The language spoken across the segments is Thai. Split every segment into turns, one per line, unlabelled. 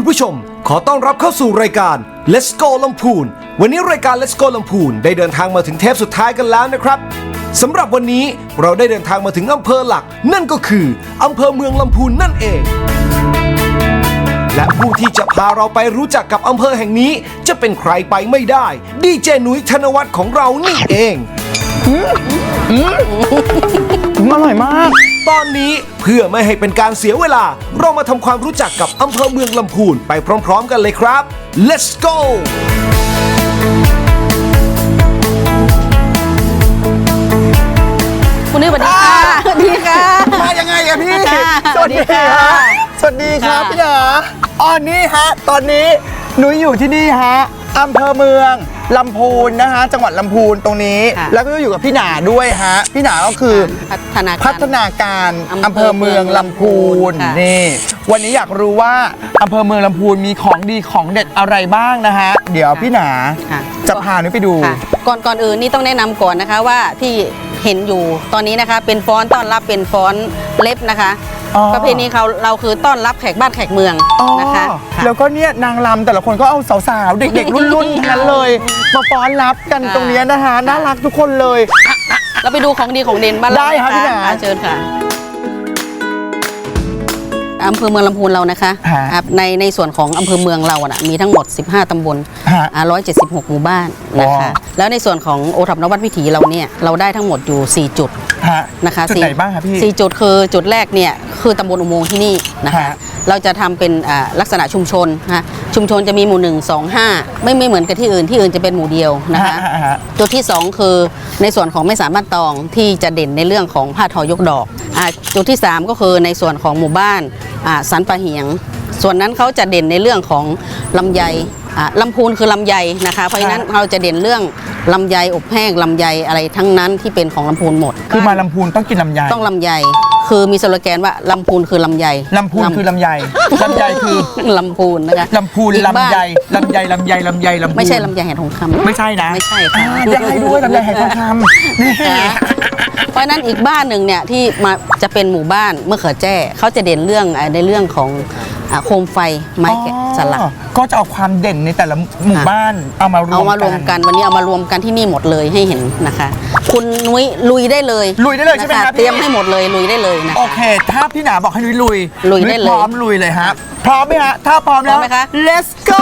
ผู้ชมขอต้อนรับเข้าสู่รายการ Let's Go ลำพูนวันนี้รายการ Let's Go ลำพูนได้เดินทางมาถึงเทปสุดท้ายกันแล้วนะครับสำหรับวันนี้เราได้เดินทางมาถึงอำเภอหลักนั่นก็คืออำเภอเมืองลำพูนนั่นเองและผู้ที่จะพาเราไปรู้จักกับอำเภอแห่งนี้จะเป็นใครไปไม่ได้ดีเจนุ้ยธนวัฒน์ของเรานี่เอง
อร่อยมาก
ตอนนี้เพื่อไม่ให้เป็นการเสียเวลาเรามาทำความรู้จักกับอำเภอเมืองลำพูนไปพร้อมๆกันเลยครับ Let's go
คุณนุ้ยสวัสดีค่ะสวัสดีค่ะ
มายังไงอะพี่
สวัสดีค่ะ
สวัสดีครับพี่เหรออ๋อนี่ฮะตอนนี้หนูอยู่ที่นี่ฮะอำเภอเมืองลำพูนนะฮะจังหวัดลำพูนตรงนี้แล้วก็อยู่กับพี่หนาด้วยฮะพี่หนาก็คือพัฒนาการอำเภอเมืองลำพูนนี่วันนี้อยากรู้ว่าอำเภอเมืองลำพูนมีของดีของเด็ดอะไรบ้างนะฮะเดี๋ยวพี่หนาจะพาหนูไปดู
ก่อนอื่นนี่ต้องแนะนำก่อนนะคะว่าที่เห็นอยู่ตอนนี้นะคะเป็นฟ้อนต้อนรับเป็นฟ้อนเล็บนะคะประเพณีเราคือต้อนรับแขกบ้านแขกเมืองนะคะ
แล้วก็เนี่ยนางรำแต่ละคนก็เอาสาวๆเด็กๆรุ่นๆนั้นเลยมาฟ้อนรับกันตรงนี้นะคะน่ารักทุกคนเลย
เราไปดูของดีของเด่นบ้านเรา
ได้ค่ะพี่หนา
เชิญค่ะอำเภอเมืองลำพูนเรานะคะในส่วนของอำเภอเมืองเราอ่ะมีทั้งหมด15ตำบล176หมู่บ้านนะคะแล้วในส่วนของโอท็อปนวัดวิถีเราเนี่ยเราได้ทั้งหมดอยู่4จุดนะคะ
จุดไหนบ้างคะพี่
4จุดคือจุดแรกเนี่ยคือตำบลอุโมงค์ที่นี่นะคะเราจะทำเป็นลักษณะชุมชนนะคะชุมชนจะมีหมู่1 2 5ไม่เหมือนกับที่อื่นจะเป็นหมู่เดียวนะคะจุดที่2คือในส่วนของไม่สามารถตองที่จะเด่นในเรื่องของผ้าทอยกดอกจุดที่3ก็คือในส่วนของหมู่บ้านสันปะเหียงส่วนนั้นเขาจะเด่นในเรื่องของลำไยลำพูนคือลำไยนะคะเพราะฉะนั้นเราจะเด่นเรื่องลำไยอบแห้งลำไยอะไรทั้งนั้นที่เป็นของลำพูนหมด
คือมาลำพูนต้องกินลำไย
ต้องลำไยคือมีสโลแกนว่าลำพูนคือลำไย
ลำพูนคือลำไยลำไยคือ
ลำพูนนะคะ
ลำพูนลำไยลำไยลำไยลำไยลำพูน
ไม่ใช่ลำไยแห่งทองคำ
ไม่ใช่นะ
ไม่ใช่ค่ะ
จะให้ด้วยลำไยแห่งทองคำนี่
เพราะนั้นอีกบ้านหนึ่งเนี่ยที่มาจะเป็นหมู่บ้านเมื่อเขือแจ้เขาจะเด่นเรื่องในเรื่องของโคมไฟไม้แกะสลัก
ก็จะเอาความเด่นในแต่ละหมู่บ้านเอามารวม
กันวันนี้เอามารวมกันที่นี่หมดเลยให้เห็นนะคะคุณนุ้ยลุยได้เลย
ใช่ไหมครับ
เตรียมให้หมดเลยลุยได้เลยนะ
โอเคถ้าพี่หนาบอกให้นุ้ยลุย
ได้เลย
พร้อมลุยเลยครับพร้อมไหมฮะถ้าพร้อมแล้ว Let's go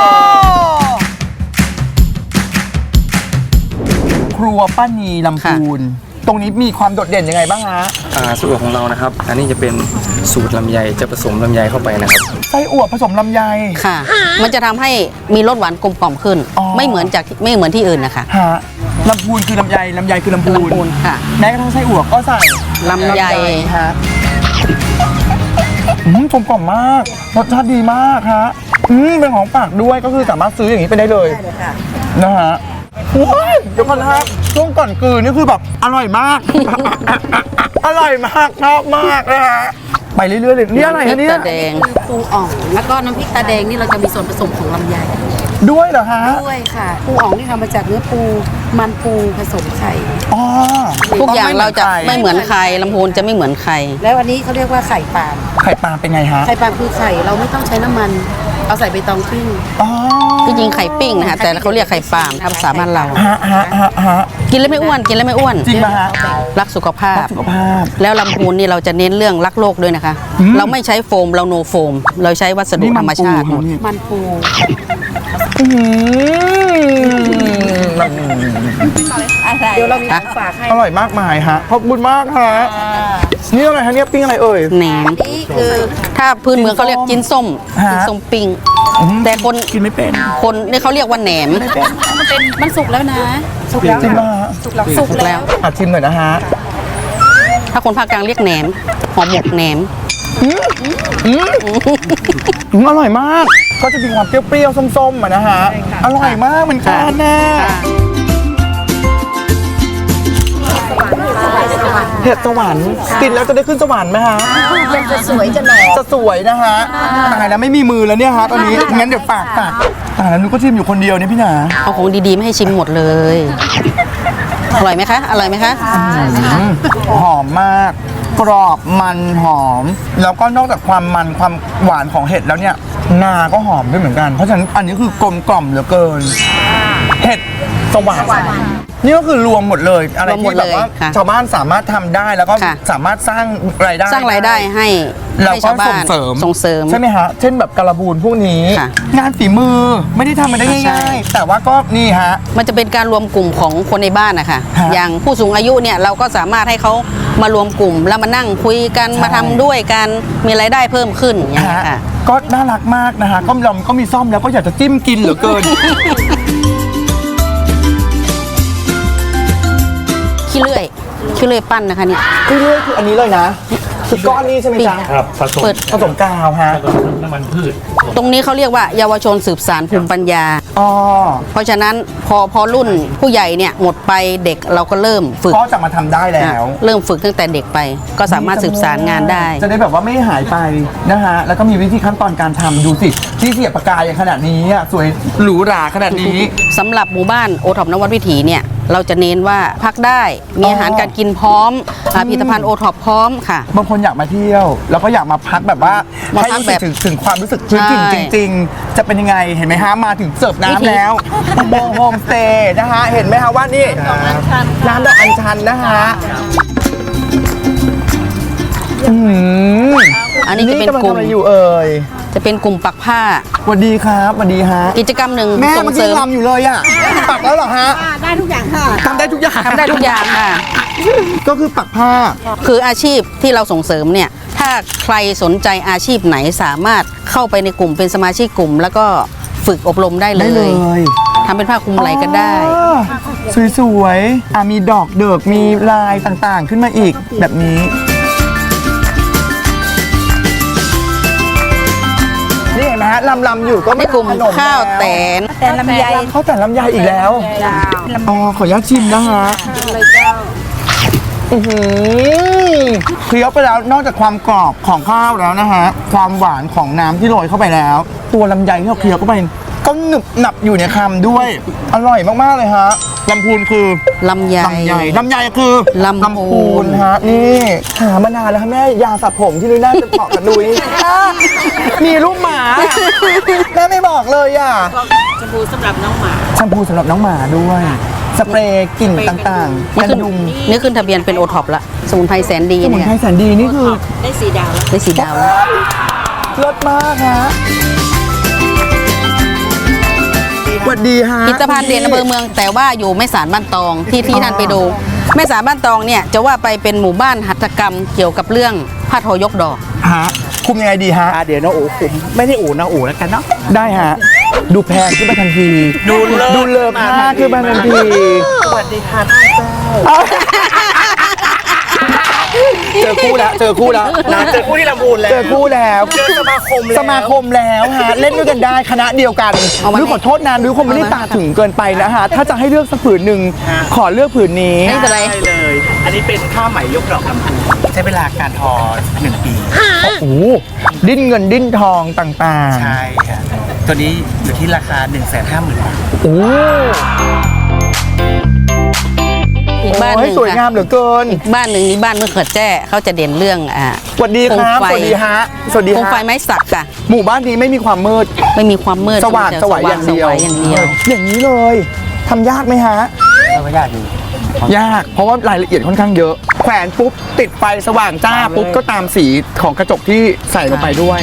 ครัวป้านีลำพูนตรงนี้มีความโดดเด่นยังไงบ้างฮะ
สูตรของเรานะครับอันนี้จะเป็นสูตรลำไยจะผสมลำไยเข้าไปนะครับ
ไส้อั่วผสมลำไย
ค่ะมันจะทำให้มีรสหวานกลมกล่อมขึ้นไม่เหมือนที่อื่นนะคะ
ลำพูนคือลำไยคือลำพูน
ค่ะ
แม้กระทั่งไส้อั่วก็ใส่
ลำไย
ฮะกลมกล่อมมากรสชาติดีมากฮะเป็นของฝากด้วยก็คือสามารถซื้ออย่างนี้ไปได้เลยนะฮะเดี๋ยวก่อนนะครับช่วงก่อนกลืนนี่คือแบบอร่อยมากอร่อยมากชอบมากนะฮะไปเรื่อยๆเลยนี่อะไรคะเนี่ย
ตาแดงปูอ่องแล้วก็น้ำพริกตาแดงนี่เราจะมีส่วนผสมของลำไย
ด้วยเหรอฮะ
ด้วยค่ะปูอ่องนี่ทำมาจากเนื้อปูมันปูผสมไข่
ทุกอย่างเราจะไม่เหมือนใครลำพูนจะไม่เหมือนใคร
แล้วอันนี้เขาเรียกว่าไข่ปาล์ม
เป็นไงฮะ
ไข่ปาล์มคือไข่เราไม่ต้องใช้น้ำมันเอาใส่ใบตองปิ้ง
ที่จริงไข่ปิ้งนะคะแต่เขาเรียกไข่ปาล์มภาษาบ้านเรากินแล้วไม่อ้วน
จริงไหมฮะ
รักสุขภาพแล้วลำพูนนี่เราจะเน้นเรื่องรักโลกด้วยนะคะเราไม่ใช้โฟมเราโนโฟมเราใช้วัสดุธรรมชาติ
มันปูเดี๋ยวเรามีฝากให้
อร่อยมากมายฮะขอบคุณมากฮะนี่อะไรฮะเนี่ยปิ้งอะไรเอ่ย
แหนมคือถ้าพื้นเมืองเขาเรียกจิ้นส้มปิ้งแต่คน
กินไม่เป็น
คนนี่เขาเรียกว่าแหนม
มันสุกแล้วนะ
สุกแล้วจริงป่ะ
สุกแล้ว
ชิมหน่อยนะฮะ
ถ้าคนภาคกลางเรียกแหนมหอมหมกแหนม
อร่อยมากก็จะมีความเปรี้ยวๆส้มๆนะฮะอร่อยมากเหมือนกันนะเห็ดสวรรค์กินแล้วจะได้ขึ้นสวรรค์ไหมฮะ
จะสวยจะหล่อ
จะสวยนะฮะตายแล้วไม่มีมือแล้วเนี่ยฮะตอนนี้งั้นเดี๋ยวฝากตายแล้วนุ้ก็ชิมอยู่คนเดียวเนี่ยพี่หนา
เอาของดีๆไม่ให้ชิมหมดเลยอร่อยไหมคะ
หอมมากกรอบมันหอมแล้วก็นอกจากความมันความหวานของเห็ดแล้วเนี่ยงาก็หอมด้วยเหมือนกัน เพราะฉะนั้นอันนี้คือกลมกล่อมเหลือเกิน เห็ดสวรรค์นี่ก็คือรวมหมดเลยอะไร
รวมหม
ที่
ด
แบบ
เลย
ว่า
ค่ะ
ชาวบ้านสามารถทำได้แล้วก็
ค่ะ
สามารถสร้างรายได้
สร้างรายได้ให้
แล้ว
ให้
ก็
ชาวบ้า
ส่ง
น
เสริม
ส่งเสริม
ใช่ไหมฮะเช่นแบบการบูนพวกนี้
ค่ะ
งานฝีมือไม่ได้ทำมาได้
ใช่
ง่ายๆแต่ว่าก็นี่ฮะ
มันจะเป็นการรวมกลุ่มของคนในบ้านนะคะ
ฮะ
อย่างผู้สูงอายุเนี่ยเราก็สามารถให้เขามารวมกลุ่มแล้วมานั่งคุยกัน
ใช่
มาทำด้วยกันมีรายได้เพิ่มขึ้นอย่างเงี้ย
ฮะ
ค่ะ
ก็น่ารักมากนะฮะก็มีซ่อมแล้วก็อยากจะจิ้มกินเหลือเกิน
ขี้เลื่อยปั้นนะคะเนี่ย
คือเรื่อยคืออันนี้เลยนะคือก้อนนี้ใช่ไหมจ๊ะ
ครับผสม
เปิด
ผสมกาวฮะ
น้ำมันพืช
ตรงนี้เขาเรียกว่าเยาวชนสืบสานภูมิปัญญา
อ๋อ
เพราะฉะนั้นพอรุ่นผู้ใหญ่เนี่ยหมดไปเด็กเราก็เริ่มฝึก
ก็จะมาทำได้แล้ว
เริ่มฝึกตั้งแต่เด็กไป ก็สามารถสืบสารงานได้
จะได้แบบว่าไม่หายไปนะฮะแล้วก็มีวิธีขั้นตอนการทำดูสิที่เสียบปากกาอย่างขนาดนี้อะสวยหรูหราขนาดนี้
สำหรับหมู่บ้านโอท็อปนวัดวิถีเนี่ยเราจะเน้นว่าพักได้มีอาหารการกินพร้อมผลิตภัณฑ์โอท็อปพร้อมค่ะ
บางคนอยากมาเที่ยว แล้วก็อยากมาพักแบบว่า
มา
ให้
พัก
รู้สึก
แบบ
ถึงความรู้สึกพื้นถิ่น
ใช่
จริง ๆ จะเป็นยังไงเห็นไหมฮะมาถึงเสิร์ฟ
วิธี
น้ำแล้วอุโมงค์โฮมสเตย์นะฮะเห็นไหมฮะว่านี่ร้านดอกอัญชันนะฮะอื้อหือ
อันนี้จะเป็น
กำลัง
กลุ่
ทำ
ม
อะไรอยู่เอ่ย
จะเป็นกลุ่มปักผ้า
สวัสดีครับสวัสดีฮะ
กิจกรรมหนึ่ง
แม่
ส่ง
เมื่อ
เส
กี้
ริม
รำอยู่เลยอ่ะปักแล้วเหรอฮะ
ได้ทุกอย่างค่ะ
ทำได้ทุกอย่าง
ทำได้ทุกอย่างค่ะ
ก็คือปักผ้า
คืออาชีพที่เราส่งเสริมเนี่ยถ้าใครสนใจอาชีพไหนสามารถเข้าไปในกลุ่มเป็นสมาชิกกลุ่ม แล้วก็ฝึกอบรมได้เล
ได้เลย ย
ทำเป็นผ้าคลุมไหล่ก็ได้
อ๋อสวยๆมีดอกเดิกมีลายต่างๆ ขึ้นมาอีกแบบนี้ นี่เห็นไหมฮะลำอยู่ก็
ในกลุ่ม
ขน
ข้าวแตน
แต่ลำไย
ข้าวแต่ลำไยอีกแล้วอ๋อขออนุญาตชิมนะฮะเคี้ยวไปแล้วนอกจากความกรอบของข้าวแล้วนะฮะความหวานของน้ำที่โรยเข้าไปแล้ว ตัวลำไยที่เราเคี้ยวเข้าไปก็หนึบหนับอยู่ในคำด้วย อร่อยมากๆเลยฮะลำพูนคือ
ลำไย
ลำไยคือ
ลำพูน
ฮะนี่หามานานแล้วค่ะแม่ยาสระผมที่นุ้ยน่าจะเหมาะกับนุ้ยมีรูปหมาแม่ไม่บอกเลยอ่ะแชมพูสำหรับน้องหมาด้วย สเปรย์กลิ่นต่างๆ
นี่
กัน
ขึ้น
ยุง
นี่ขึ้นทะเบียนเป็นโอท็อปละสมุนไพรแสนดี
สมุน
เนี่ย
ไพรแสนดีนี่คือ
ได้สีดาวแล้ว
รสมากฮะสวัสดีฮะ
ผลิตภัณฑ์เด่นอำเภอเมืองแต่ว่าอยู่แม่สารบ้านตองที่ท่านไปดูแม่สารบ้านตองเนี่ยจะว่าไปเป็นหมู่บ้านหัตถกรรมเกี่ยวกับเรื่องผ้าทอยกดอก
ฮะคุมยังไงดีฮะ
เดี๋ยวน้องอูคุมไม่ได้อูน้องอูแล้วกันเนาะ
ได้ฮะดูแพงขึ้นมาทันทีดูเลิศมากขึ้นมาทันที
สวัสดีค่ะท่านเจ้า
เจอคู่แล้วเจอคู่แล้ว
เจอคู่ที่ลำพูนแล้ว
เจอคู่แล้ว
เจอสมาคมแล้ว
สมาคมแล้วฮะเล่นด้วยกันได้คณะเดียวกัน
เอามา
นุ้ยขอโทษนะนุ้ยคงไม่ได้ตาถึงเกินไปนะฮะถ้าจะให้เลือกสักผืนหนึ่งขอเลือกผืนนี้
ไม่เป็นไร
ได้เลย อันนี้เป็นผ้าไหมยกดอกลำพูนใช้เวลาการทอ 1 ปี
โอ้โหดิ้นเงินดิ้นทองต่างๆ
ใช่ค่ะตัวนี้อยู่ที่ราคา 150,000 บาท
โอ้
อีกบ้านห
โอ้
นึ่
ย
ง
สวยงาม
ค่ะ
เหลือเกิน
อีกบ้านหนึ่งนี่บ้านเมืองเขิดแจ้เขาจะเด่นเรื่อง
สวัสดีครับ
โคมไฟ
สวัสดีฮะสวัสดี
โคมไฟ
ฮะ
ไม้สักค่ะ
หมู่บ้านนี้ไม่มีความมืด
ไม่มีความมืด
สว่าง
จะ
สวยอย่างเดียว
สว่างอย่างเดียว
อย่างนี้เลยทำยากไหมฮะ
ไม่ยากอยู่
ยากเพราะว่ารายละเอียดค่อนข้างเยอะ แขวนปุ๊บติดไฟสว่างจ้าปุ๊บก็ตามสีของกระจกที่ใส่ลงไปด้วย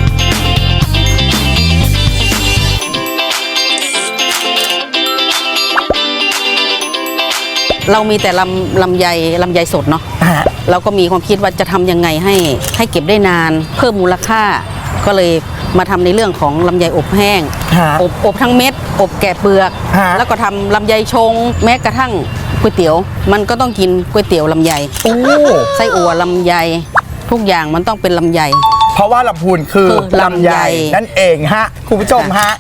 เรามีแต่ลำไยสดเนาะ
ฮะ
เราก็มีความคิดว่าจะทำยังไงให้เก็บได้นาน เพิ่มมูลค่า ก็เลยมาทำในเรื่องของลำไยอบแห้ง
ฮะ
อบทั้งเม็ด อบแกะเปลือก
ฮะ
แล้วก็ทำลำไยชง แม้กระทั่งก๋วยเตี๋ยว มันก็ต้องกินก๋วยเตี๋ยวลำไย
โอ้
ไส้อั่วลำไย ทุกอย่างมันต้องเป็นลำไย
เพราะว่าลำพูนคือ
คือลำไย
นั่นเองฮะคุณผู้ชมฮะ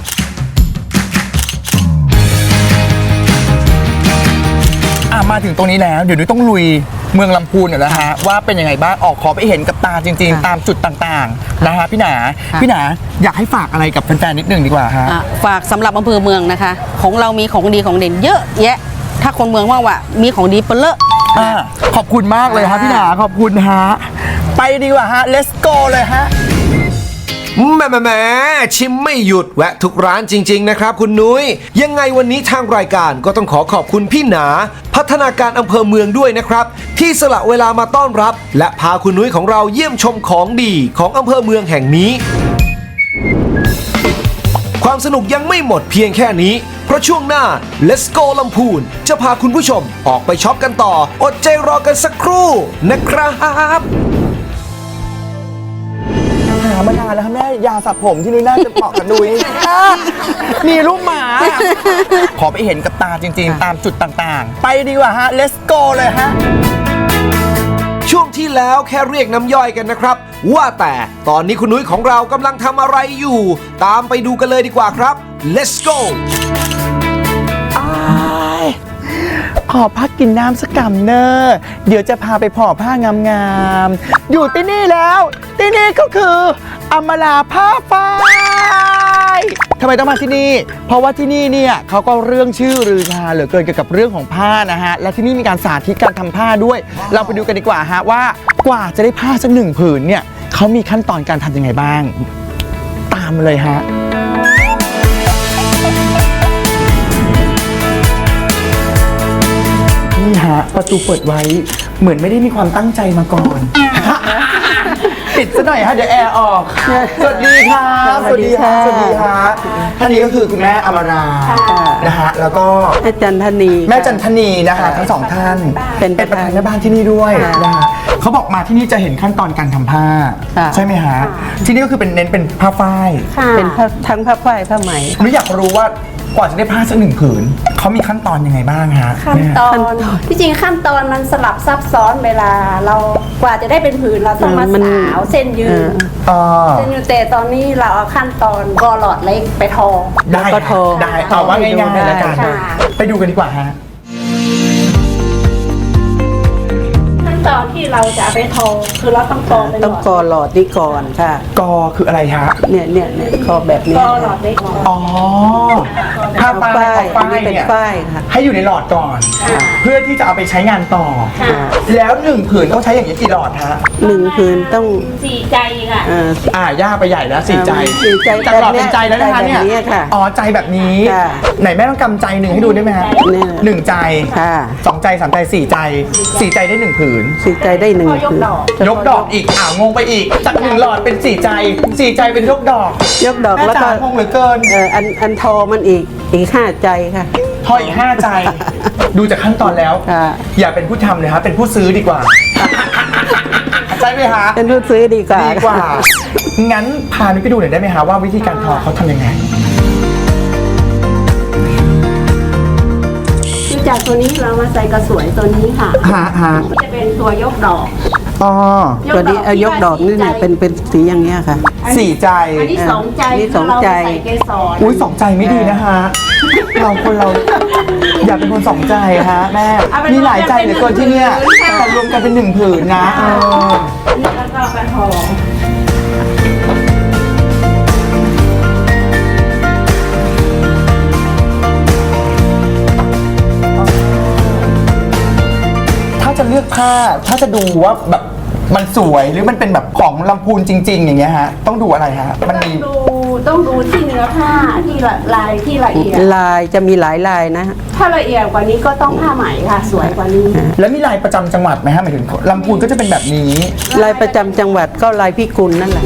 มาถึงตรงนี้แล้วเดี๋ยวนุ้ยต้องลุยเมืองลำพูนหน่อยแล้วฮะว่าเป็นยังไงบ้างออกขอไปเห็นกับตาจริง ๆ ตามจุดต่างๆนะฮะพี่หนาอยากให้ฝากอะไรกับแฟนๆนิดนึงดีกว่าฮะ
ฝากสำหรับอำเภอเมืองนะคะ ของเรามีของดีของเด่นเยอะแยะ ถ้าคนเมืองว่ามีของดีเปนเลอะ
ขอบคุณมากเลยฮะพี่หนาขอบคุณฮะไปดีกว่าฮะ let's go เลยฮะ
แหมชิมไม่หยุดแวะทุกร้านจริง ๆ นะครับคุณนุ้ยยังไงวันนี้ทางรายการก็ต้องขอบคุณพี่หนา พัฒนาการอำเภอเมืองด้วยนะครับ ที่สละเวลามาต้อนรับ และพาคุณนุ้ยของเราเยี่ยมชมของดีของอำเภอเมืองแห่งนี้ ความสนุกยังไม่หมดเพียงแค่นี้ เพราะช่วงหน้า Let's Go ลำพูนจะพาคุณผู้ชมออกไปช็อปกันต่อ อดใจรอกันสักครู่นะครับ
หามานานแล้วค่ะแม่ยาสระผมที่นุ้ยน่าจะเหมาะกับนุ้ยมีรูปหมา ขอไปเห็นกับตาจริงๆ ตามจุดต่างๆ ไปดีกว่าฮะ let's go เลยฮะ
ช่วงที่แล้วแค่เรียกน้ำย่อยกันนะครับ ว่าแต่ตอนนี้คุณนุ้ยของเรากำลังทำอะไรอยู่ ตามไปดูกันเลยดีกว่าครับ Let's go
ขอพักกินน้ำสักกำเนอร์เดี๋ยวจะพาไปผ่อผ้างามๆ อยู่ที่นี่แล้ว ที่นี่ก็คืออมราผ้าฝ้ายทำไมต้องมาที่นี่ เพราะว่าที่นี่เนี่ยเขาก็เรื่องชื่อลือชาเหลือเกินเกี่ยวกับเรื่องของผ้านะฮะ และที่นี่มีการสาธิตการทำผ้าด้วย เราไปดูกันดีกว่าฮะว่ากว่าจะได้ผ้าสักหนึ่งผืนเนี่ยเขามีขั้นตอนการทำยังไงบ้าง ตามมาเลยฮะ นี่ฮะประตูเปิดไว้เหมือนไม่ได้มีความตั้งใจมาก่อน ปิดซะหน่อยฮะเดี๋ยวแอร์ออก สวัสดีครับ
สวัสดีค่ะ
สวัสดีฮะท่านนี้ก็คือคุณแม่อมรานะฮะแล้วก็
แม่จันทนี
แม่จันทนีนะคะทั้งสองท่าน
เป็นประ
ประ
ธา
ธาน นแม่บ้านที่นี่ด้วย
ค่ะ
นะฮะเขาบอกมาที่นี่จะเห็นขั้นตอนการทำผ้า
ค่ะ
ใช่ไหมฮะที่นี่ก็คือเป็นเน้นเป็นผ้าฝ้าย
เป็นผ้าทั้งผ้าฝ้ายผ้าไหม
หนูอยากรู้ว่ากว่าจะได้ผ้าสักหนึ่งผืนเขามีขั้นตอนยังไงบ้างฮะ
ขั้นตอนที่จริงขั้นตอนมันสลับซับซ้อนเวลาเรากว่าจะได้เป็นผืนเราต้องมา
มัน
สาวเส้นยืน
อ๋อ
เส้นยืนแต่ตอนนี้เราเอาขั้นตอนกอหลอดเล็กไปทอ
ได้
แล้วก็โทร
ได้เอาว่าง่ายๆแล้วกัน
ค่ะ
ไปดูกันดีกว่าฮะ
ขั้นตอนที่เราจะเอาไปทอคือเราต้องกอเป็นหล
ต้อง
อด
กอหลอดนี่ก่อนค่ะ
กอคืออะไรฮะ
เนี่ยกอแบบนี้
กอหลอดเล็ก
อ๋อผ้า
ผ้า
ฝ้าย
ฝ้าย
ของฝ้าย
อันนี้เป็น
เนี่ย
ฝ้ายค่ะ
ให้อยู่ในหลอดก่อน เพื่อที่จะเอาไปใช้งานต่อ แล้วหนึ่งผืนต้องใช้อย่างนี้กี่หลอดฮะ
หนึ่งคืนต้อง
สี่ใจค่ะ
ย่าไปใหญ่แล้วสี่ใจ
สี่ใจ
จากหลอดเป็นใจแล้วนะคะ
ใจแบบนี้
เนี่ย
ค่ะ
อ๋อใจแบบนี้
ค่ะ
ไหนแม่ต้องกำใจหนึ่งให้ดูได้ไหมฮะ
เนี่ย
หนึ่งใจ
ค่ะ
สองใจสามใจสี่ใจสี่ใจได้หนึ่งผืน
สี่ใจได้หนึ่ง
พอยก
คืน
ดอก
ยกดอกอีกงงไปอีกจากหนึ่งหลอดเป็นสี่ใจสี่ใจเป็นยกดอก
ยกดอก
แม่
แล้ว
จ๋า
ก็
งงเหลือเกิน
อันทอมันอีกห้าใจค่ะ
ทออีก5 ใจ ดูจากขั้นตอนแล้ว
ค่ะ
อย่าเป็นผู้ทำเลยฮะเป็นผู้ซื้อดีกว่า ใช่ไหมฮะ
เป็นผู้ซื้อดีกว่า
ดีกว่า งั้นพานุ้ยไปดูหน่อยได้ไหมฮะว่าวิธีการทอเขาทำยังไง
คือจากตัวนี้เรามาใส่กระสวยตัวนี้ค่ะ
ฮะ
จะเป็นตัวยกดอก
อ๋อ
ตัวนี้ยกดอกนี่เนี่ยเป็นสีอย่างเงี้ยค่ะ
สี่ใจ
อันนี้สองใจ
อันนี้สองใจ
เราใส่เกสร
อุ้ยสองใจไม่ดีนะฮะ เราอย่าเป็นคนสองใจฮะแม่ มีหลายใจเหลือเกินที่เนี่ยแต่รวมกันเป็นหนึ่งผืนนะเออ
อันนี้แล้วก็ไปห่อ
ถ้าจะเลือกผ้า ถ้าจะดูว่าแบบมันสวยหรือมันเป็นแบบของลำพูนจริง ๆ อย่างเงี้ยฮะ ต้องดูอะไรฮะ มันมี
ต้องดูที่เนื้อผ้าที่ลายที่ละเอียด
ลายจะมีหลายลายนะ
ถ้าละเอียดกว่านี้ก็ต้องผ้าไหมค่ะ สวยกว่านี้
แล้วมีลายประจำจังหวัดไหมฮะหมายถึงลำพูนก็จะเป็นแบบนี้
ลายประจำจังหวัดก็ลายพิกุลนั่นแหละ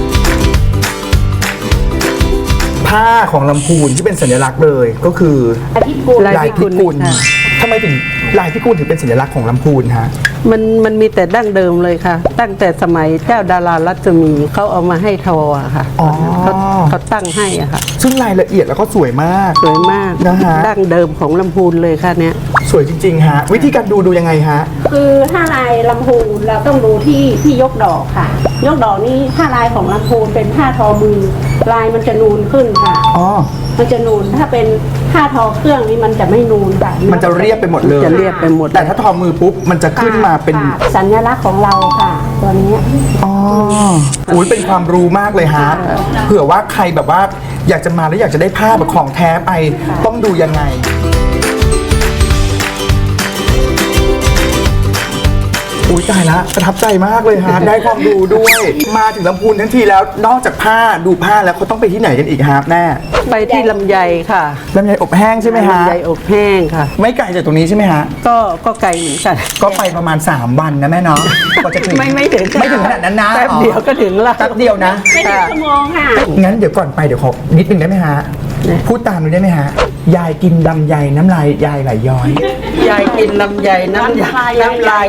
ผ้าของลำพูนที่เป็นสัญลักษณ์เลยก็คือ
ลายพิกุล
ลายพิกุลค่ะ
ทำไมถึงลายพิกุลถึงเป็นสัญลักษณ์ของลำพูนฮะ
มันมีแต่ดั้งเดิมเลยค่ะ ตั้งแต่สมัยเจ้าดารารัศมีเขาเอามาให้ทออะค่ะ
อ๋อ
เขาตั้งให้อะค่ะ
ซึ่งรายละเอียดแล้วก็สวยมาก
สวยมาก
นะฮะ
ดั้งเดิมของลำพูนเลยค่ะเนี่ย
สวยจริง ๆ ฮะ วิธีการดูยังไงฮะ
คือถ้าลายลำพูนเราต้องดูที่ยกดอกค่ะ ยกดอกนี่ถ้าลายของลำพูนเป็นผ้าทอมือลายมันจะนูนขึ้นค่ะ
อ๋อ
มันจะนูนถ้าเป็นผ้าทอเครื่องนี่มันจะไม่นูนค่ะ
มันจะเรียบไปหมดเลย
จะเรียบไปหมด
แต่ถ้าทอมือปุ๊บ มันจะขึ้นมาเป็น
ค่ะสัญลักษณ์ของเราค่ะ ตัวนี้
อ๋ออุ้ยเป็นความรู้มากเลยฮะ เผื่อว่าใครแบบว่าอยากจะมาแล้วอยากจะได้ผ้าแบบของแท้ไป ต้องดูยังไง ออุ้ยตายละประทับใจมากเลยฮะ ได้ความรู้ด้วย มาถึงลำพูนทั้งทีแล้วนอกจากผ้าดูผ้าแล้วเขาต้องไปที่ไหนกันอีกฮะแม่
ไปที่ลำไยค่ะ
ลำไยอบแห้งใช่ไหมฮะ
ลำไยอบแห้งค่ะ
ไม่ไกลจากตรงนี้ใช่ไหมฮะ
ก็ไกลเหมือนกัน
ก็ไปประมาณ 3 วันนะแม่เนาะกว่าจะถึง
ไม่ถึง
ไม่ถึงขนาดนั้นนะ
แป๊บเดียวก็ถึงละ
แป๊บเดียวนะ
ไม่ถึงชั่วโมงค่ะ
งั้นเดี๋ยวก่อนไปเดี๋ยวขอนิดนึงได้ไหมฮะ พูดตามหนูได้ไหมฮะ ยายกินลำไยน้ำลายยายไหลย้อย
ยายกินลำไยน้ำลาย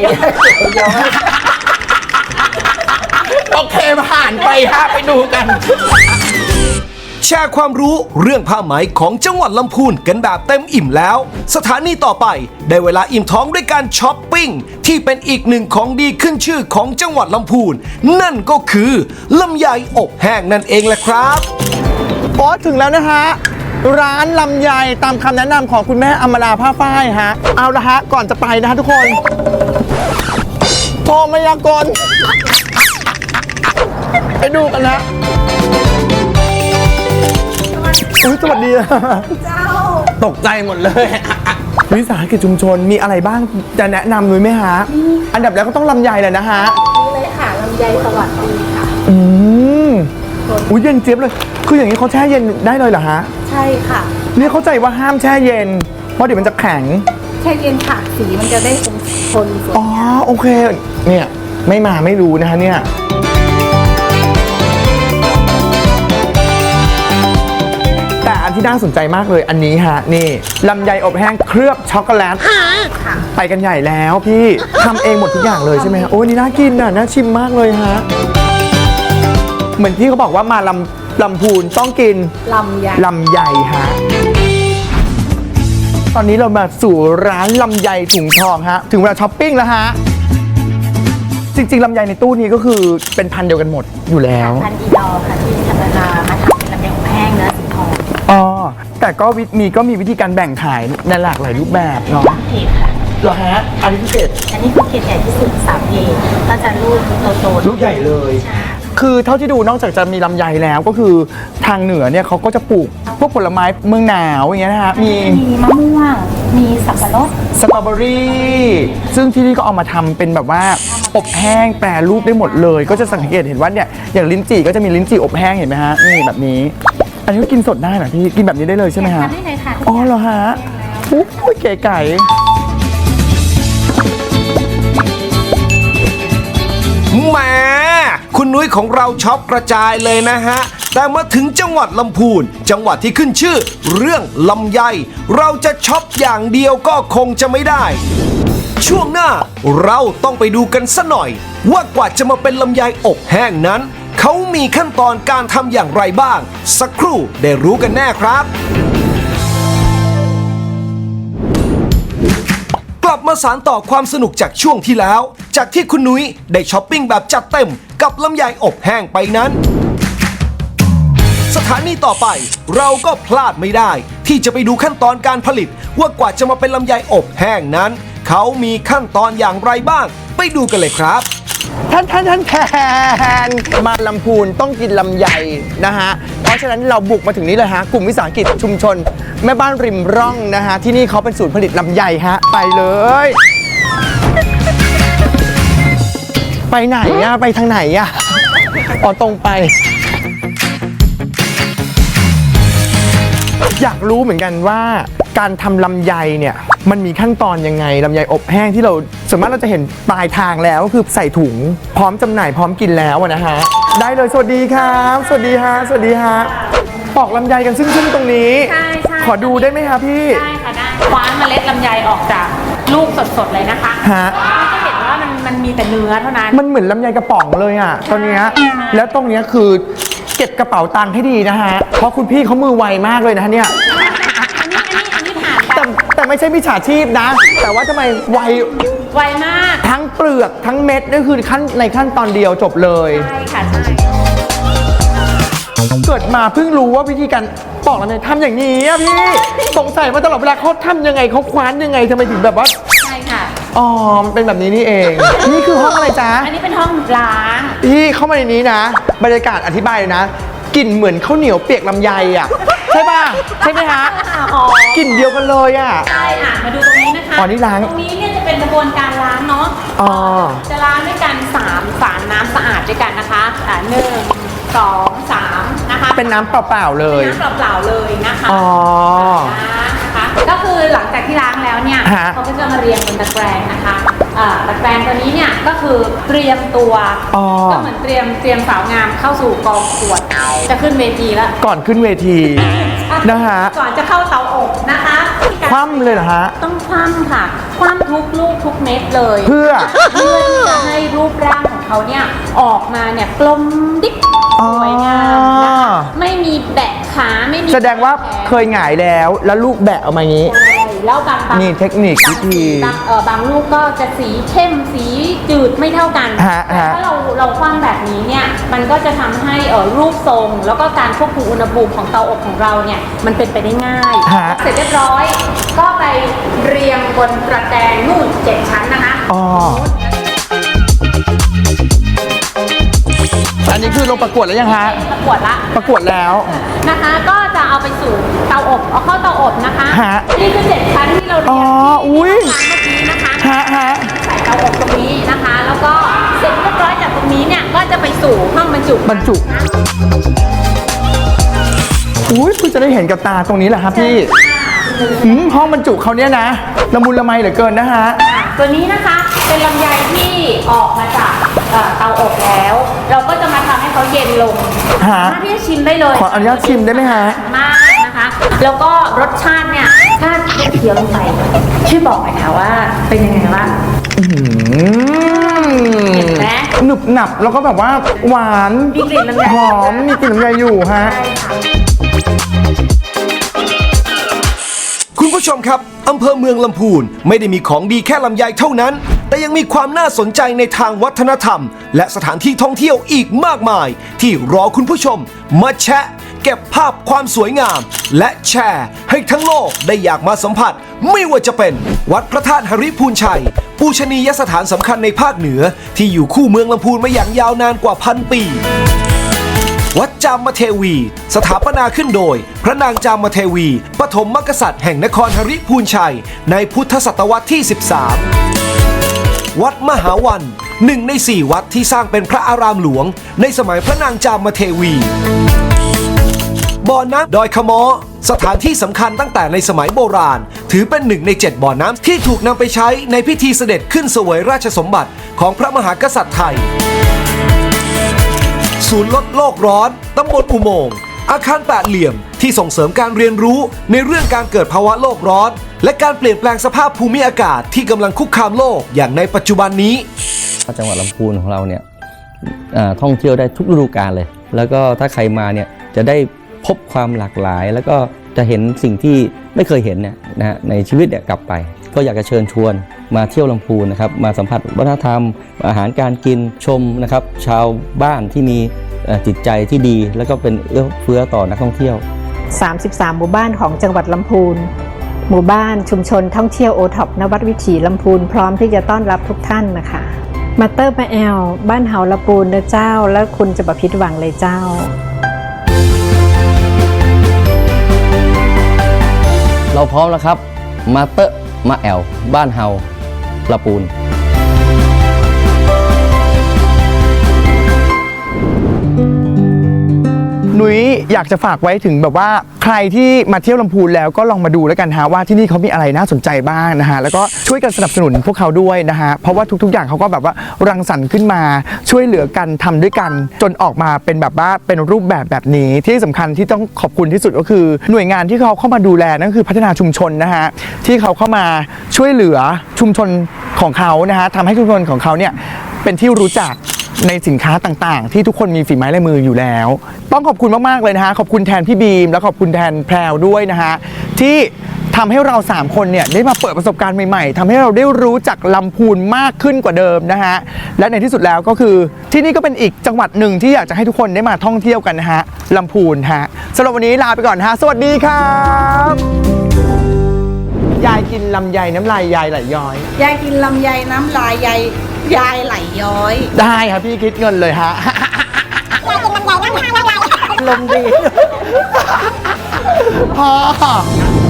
โอเคผ่านไปฮะไปดูกัน
แชร์ความรู้เรื่องผ้าไหมของจังหวัดลำพูนกันแบบเต็มอิ่มแล้ว สถานีต่อไปได้เวลาอิ่มท้องด้วยการช้อปปิ้งที่เป็นอีกหนึ่งของดีขึ้นชื่อของจังหวัดลำพูนนั่นก็คือลำไยอบแห้งนั่นเองแหละครับ
โอ้ถึงแล้วนะฮะ ร้านลำไยตามคำแนะนำของคุณแม่อมราผ้าฝ้ายฮะ เอาละฮะ ก่อนจะไปนะฮะทุกคนโทรมายากลไปดูกันนะอุ๊ยสวัสดีตกใจหมดเลย วิสาหกิจชุมชนมีอะไรบ้างจะแนะนำหน่อยไหมฮะ อันดับแรกก็ต้องลำไยเลยนะฮะ
เลยค่ะลำไยสวัสดีค่ะ
อุ้ยเย็นเจี๊ยบเลย คืออย่างนี้เขาแช่เย็นได้เลยเหรอฮะ
ใช่ค่ะ
นี่เข้าใจว่าห้ามแช่เย็น เพราะเดี๋ยวมันจะแข็ง
แช่เย็นค่ะสีมันจะได้คงทนสวย
อ๋อ โอเค เนี่ยไม่มาไม่รู้นะคะเนี่ย แต่อันที่น่าสนใจมากเลยอันนี้ฮะ นี่ลำไยอบแห้งเคลือบช็อกโกแลตไปกันใหญ่แล้วพี่ทำเองหมดทุกอย่างเลยใช่ไหมฮะ โอ้ยนี่น่ากินอ่ะน่าชิมมากเลยฮะ เหมือนที่เขาบอกว่ามาลำพูนต้องกิน
ลำไย
ลำไยฮะ ตอนนี้เรามาสู่ร้านลำไยถุงทองฮะ ถึงเวลาช้อปปิ้งแล้วฮะ จริงๆลำไยในตู้นี้ก็คือเป็นพันธุ์เดียวกันหมดอยู่แล้ว
พันอีดอค่ะที่ธรรมดามาทำเป็นลำไยอบแห้งเนื้อสีทอง
อ๋อ แต่ก็มีวิธีการแบ่งขายในหลากหลายรูปแบบเนาะ
เกรดค่ะ
เหรอฮะ อันนี้พิเศษ
อันนี้คือเกรดใหญ่ที่สุด3เกรดก็จะลูกโตๆ
ลูกใหญ่เลย คือเท่าที่ดูนอกจากจะมีลำไยแล้วก็คือทางเหนือเนี่ยเขาก็จะปลูกพวกผลไม้เมืองหนาวอย่างเงี้ยนะฮะ มี
มีมะม่วง มีสับปะรด
สตรอเบอรี่ซึ่งที่นี่ก็เอามาทำเป็นแบบว่าอบแห้งแปรรูปได้หมดเลย ก็จะสังเกตเห็นว่าเนี่ยอย่างลิ้นจี่ก็จะมีลิ้นจี่อบแห้งเห็นไหมฮะนี่แบบนี้ อันนี้ก็กินสดได้เหรอพี่กินแบบนี้ได้เลยใช่ไหมฮะ
ทานได้เลยค่ะ
อ๋อเหรอฮะอุ๊ยเก๋ไก่
แหมคุณนุ้ยของเราช็อปกระจายเลยนะฮะ แต่มาถึงจังหวัดลำพูน จังหวัดที่ขึ้นชื่อ เรื่องลำไย เราจะช็อปอย่างเดียวก็คงจะไม่ได้ ช่วงหน้าเราต้องไปดูกันซะหน่อย ว่ากว่าจะมาเป็นลำไยอบแห้งนั้น เขามีขั้นตอนการทำอย่างไรบ้าง สักครู่ได้รู้กันแน่ครับ กลับมาสานต่อความสนุกจากช่วงที่แล้ว จากที่คุณนุ้ยได้ช้อปปิ้งแบบจัดเต็มกับลำไยอบแห้งไปนั้น สถานีต่อไปเราก็พลาดไม่ได้ ที่จะไปดูขั้นตอนการผลิต ว่ากว่าจะมาเป็นลำไยอบแห้งนั้น เขามีขั้นตอนอย่างไรบ้าง ไปดูกันเลยครับ
ท่านมาลำพูนต้องกินลำไยนะฮะ เพราะฉะนั้นเราบุกมาถึงนี้เลยฮะ กลุ่มวิสาหกิจชุมชน แม่บ้านริมร่องนะฮะ ที่นี่เขาเป็นศูนย์ผลิตลำไยฮะ ไปเลย ไปไหนอะไปทางไหนอะอ๋อตรงไป อยากรู้เหมือนกันว่าการทำลำไยเนี่ยมันมีขั้นตอนยังไงลำไยอบแห้งที่เราส่วนมากเราจะเห็นปลายทางแล้วก็คือใส่ถุงพร้อมจำหน่ายพร้อมกินแล้วอะนะฮะได้เลยสวัสดีครับสวัสดีฮะสวัสดีฮะปอกลำไยกันซึ่งตรงนี้
ใช่ใช่
ขอดูได้ไหมคะพี่
ได้ค่ะได้คว้านเมล็ดลำไยออกจากลูกสดๆเลยนะคะ
ฮะ
ก็จะเห็นว่ามันมีแต่เนื้อเท่านั้น
มันเหมือนลำไยกระป๋องเลยอ่ะตอนเนี้ยแล้วตรงเนี้ยคือเก็บกระเป๋าตังค์ให้ดีนะฮะเพราะคุณพี่เขามือไวมากเลยนะฮะเนี่ย
อันนี้ผ่านไป
แต่ไม่ใช่มิจฉาชีพนะ แต่ว่าทำไมไว
ไวมาก
ทั้งเปลือกทั้งเม็ดนั่นคือขั้นตอนเดียวจบเลย
ใช่ค่ะใช่
เกิดมาเพิ่งรู้ว่าวิธีการปอกลำไยทำอย่างนี้อะพี่สงสัยมาตลอดเวลาเขาทำยังไงเขาคว้านยังไงทำไมถึงแบบว่า
ใช่ค่ะ
อ๋อมันเป็นแบบนี้นี่เอง นี่คือห้องอะไรจ๊ะ
อันนี้เป็นห้องล้าง
พี่เข้ามาในนี้นะ บรรยากาศอธิบายเลยนะกลิ่นเหมือนข้าวเหนียวเปียกลำไยอ่ะใช่ป่ะใช่ไหมฮะ
อ๋อก
ลิ่นเดียวกันเลยอ่ะ
ใช่มาดูตรงนี้นะคะ
อ๋อนี่ล้าง
ตรงนี้เนี่ยจะเป็นเป็นกระบวนการล้างเนาะจะล้างด้วยกัน3 ฝาน้ำสะอาดด้วยกันนะคะ1 2 3นะคะ
เป็นน้ำเปล่าๆเลย
น้ำเปล่าๆเลยนะคะนะคะก็คือหลังจากที่ล้างแล้วเนี่ยเขาก็จะมาเรียงบนตะแกรงนะคะตะแกรงตัวนี้เนี่ยก็คือเตรียมตัวก็เหมือนเตรียมสาวงามเข้าสู่กองขวดจะขึ้นเวทีแล้ว
ก่อนขึ้นเวทีนะฮะ
ก่อนจะเข้าเตาอบนะคะ
คว่ำเลยเหรอฮะ
ต้องคว่ำค่ะคว่ำทุกลูกทุกเม็ดเลย
เพื่อ
ที่จะให้รูปร่างของเขาเนี่ยออกมาเนี่ยกลมดิ๊กสวยงามนะคะไม่มีแบะขาไม่มี
แสดงว่าเคยหงายแล้วลูกแบะออกมาอย่างนี้
แล้วบาง
นี่เทคนิควิธี
บางลูกก็จะสีเข้มสีจืดไม่เท่ากันแต่ถ้าเราคว่ำแบบนี้เนี่ยมันก็จะทำให้รูปทรงแล้วก็การควบคุมอุณหภูมิของเตาอบของเราเนี่ยมันเป็นไปได้ง่ายเสร็จเรียบร้อยก็ไปเรียงบนตะแกรงนู่น7 ชั้นนะคะ
อันนี้คือลงประกวดแล้วยังฮะ
ประกวด
แล้ว
นะคะก็จะเอาไปสู่เตาอบเอาเข้าเตาอบนะคะนี่คือ7 ชั้นที่เราเรียงเมื่อกี้นะคะใส่เตาอบตรงนี้นะคะแล้วก็เสร็จเรียบร้อยจากตรงนี้เนี่ยก็จะไปสู่ห้องบรรจุ
คุณจะได้เห็นกับตาตรงนี้แหละครับพี่ห้องบรรจุเขาเนี่ยนะละมุนละไมเหลือเกินนะฮะ
ตัวนี้นะคะเป็นลำไยที่ออกมาจากเตาอบแล้วเราก็จะมาทำให้เขาเย็นลงสามารถที่จะชิมได้เลย
ขออนุญาตชิมได้ไหมฮะ
มากนะคะแล้วก็รสชาติเนี่ยถ้าเคี้ยวลงไปช่วยบอกหน่อยค่ะว่าเป็นยังไงบ้างเห็นไหม
หนึบหนับแล้วก็แบบว่าหวาน
มีกลิ่นลำไย
หอมมีกลิ่นลำไยอยู่ฮะ
คุณผู้ชมครับอำเภอเมืองลำพูนไม่ได้มีของดีแค่ลำไยเท่านั้นแต่ยังมีความน่าสนใจในทางวัฒนธรรมและสถานที่ท่องเที่ยวอีกมากมายที่รอคุณผู้ชมมาแชะเก็บภาพความสวยงามและแชร์ให้ทั้งโลกได้อยากมาสัมผัสไม่ว่าจะเป็นวัดพระธาตุหริพูนชัยปูชนียสถานสำคัญในภาคเหนือที่อยู่คู่เมืองลำพูนมาอย่างยาวนานกว่า1,000 ปีวัดจามเทวีสถาปนาขึ้นโดยพระนางจามเทวีปฐมกษัตริย์แห่งนครหริพูนชัยในพุทธศตวรรษที่13วัดมหาวัน1 ใน 4วัดที่สร้างเป็นพระอารามหลวงในสมัยพระนางจามเทวีบ่อน้ำดอยขะม้อสถานที่สำคัญตั้งแต่ในสมัยโบราณถือเป็น1 ใน 7บ่อน้ำที่ถูกนำไปใช้ในพิธีเสด็จขึ้นเสวยราชสมบัติของพระมหากษัตริย์ไทยศูนย์ลดโลกร้อนตำบลอุโมงค์อาคาร8เหลี่ยมที่ส่งเสริมการเรียนรู้ในเรื่องการเกิดภาวะโลกร้อนและการเปลี่ยนแปลงสภาพภูมิอากาศที่กำลังคุกคามโลกอย่างในปัจจุบันนี้
จังหวัดลำพูนของเราเนี่ยท่องเที่ยวได้ทุกฤดูกาลเลยแล้วก็ถ้าใครมาเนี่ยจะได้พบความหลากหลายแล้วก็จะเห็นสิ่งที่ไม่เคยเห็นเนี่ยนะฮะในชีวิตเนี่ยกลับไปก็อยากจะเชิญชวนมาเที่ยวลำพูนนะครับมาสัมผัสวัฒนธรรมอาหารการกินชมนะครับชาวบ้านที่มีจิตใจที่ดีแล้วก็เป็นเอื้อเฟื้อต่อนักท่องเที่ยว
33หมู่บ้านของจังหวัดลำพูนหมู่บ้านชุมชนท่องเที่ยวโอท็อปนวัดวิถีลำพูนพร้อมที่จะต้อนรับทุกท่านนะคะมาเตอร์มาแอลบ้านเฮาลำพูนนะเจ้าแล้วคุณจะบ่ผิดหวังเลยเจ้า
เราพร้อมแล้วครับมาเตอร์มาแอลบ้านเฮาลำพูน
นุ้ยอยากจะฝากไว้ถึงแบบว่าใครที่มาเที่ยวลำพูนแล้วก็ลองมาดูแล้วกันฮะว่าที่นี่เขามีอะไรน่าสนใจบ้างนะฮะแล้วก็ช่วยกันสนับสนุนพวกเขาด้วยนะฮะเพราะว่าทุกๆอย่างเขาก็แบบว่ารังสรรค์ขึ้นมาช่วยเหลือกันทำด้วยกันจนออกมาเป็นแบบว่าเป็นรูปแบบนี้ที่สำคัญที่ต้องขอบคุณที่สุดก็คือหน่วยงานที่เขาเข้ามาดูแลนั่นคือพัฒนาชุมชนนะฮะที่เขาเข้ามาช่วยเหลือชุมชนของเขานะฮะทำให้ชุมชนของเขาเนี่ยเป็นที่รู้จักในสินค้าต่างๆที่ทุกคนมีฝีไม้ลายมืออยู่แล้วต้องขอบคุณมากๆเลยนะฮะขอบคุณแทนพี่บีมและขอบคุณแทนแพรวด้วยนะฮะที่ทำให้เรา3คนเนี่ยได้มาเปิดประสบการณ์ใหม่ๆทำให้เราได้รู้จักลำพูนมากขึ้นกว่าเดิมนะฮะและในที่สุดแล้วก็คือที่นี่ก็เป็นอีกจังหวัดหนึ่งที่อยากจะให้ทุกคนได้มาท่องเที่ยวกันนะฮะลำพูนฮะสำหรับวันนี้ลาไปก่อนฮะสวัสดีครับยายกินลำไยน้ำลายยายไหลย้อย
ยายกินลำไยน้ำลายยายไหลย้อย
ได้ครับพี่คิดเงินเลยฮะยายกินลำไยน้ำลายยายลมดีพอ